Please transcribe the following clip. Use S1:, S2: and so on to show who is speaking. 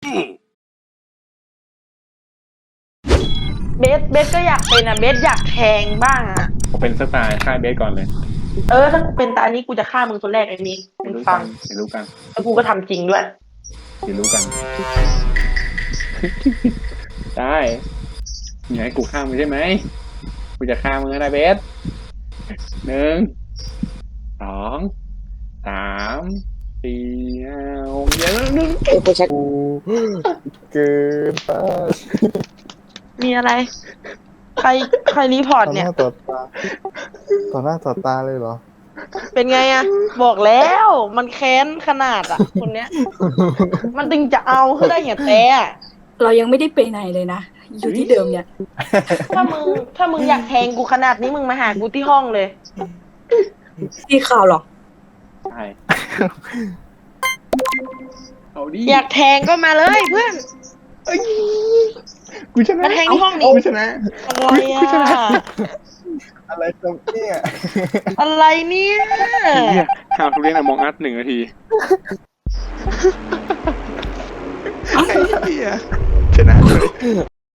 S1: เบสก็อยากเป็นอ่ะเบสอยากแทงบ้างอ่ะ
S2: ผมเป็นสไตล์ฆ่าเบสก่อนเลย
S1: ถ้าเป็นตานี้กูจะฆ่ามึงคนแรกไอ้นี้มึงฟัง
S2: เดี๋ยวรู้กัน
S1: แล้วกูก็ทำจริงด้วย
S2: เดี๋ยวรู้กัน ได้อย่าให้กูฆ่ามึงใช่ไหมกูจะฆ่ามึงนะเบส1 2 3 4 5 6เดี๋ยวนึง
S3: กูชัก
S4: กูเกินไป
S1: มีอะไร ใครรีพอร์ต
S4: ต่อห
S1: เนี่ย
S4: น้าต่อตาต่อหน้าต่อตาเลยเหรอ
S1: เป็นไงอะบอกแล้วมันแค้นขนาดอะคนเนี้ย มันตึงจะเอาคือได้อย่างแต่อะ
S3: เรายังไม่ได้ไปไหนเลยนะ อยู่ที่เดิมเนี่ย
S1: ถ้ามึงอยากแทงกูขนาดนี้มึงมาหากูที่ห้องเลย
S3: ที่ข่าวหรอ
S2: ใช่เอาดิ
S1: อยากแทงก็มาเลยเพื่อน
S2: เอ้ยกูชนะ
S1: มาแทงที่ห้องดิ
S2: กูชนะ
S1: อะไร
S2: กูชนะ
S1: อะ
S4: อะไรตรงเนี่ย
S1: อะไรเนี่ย
S2: เฮียข่าวทุเรียนอะมองอัด1 นาที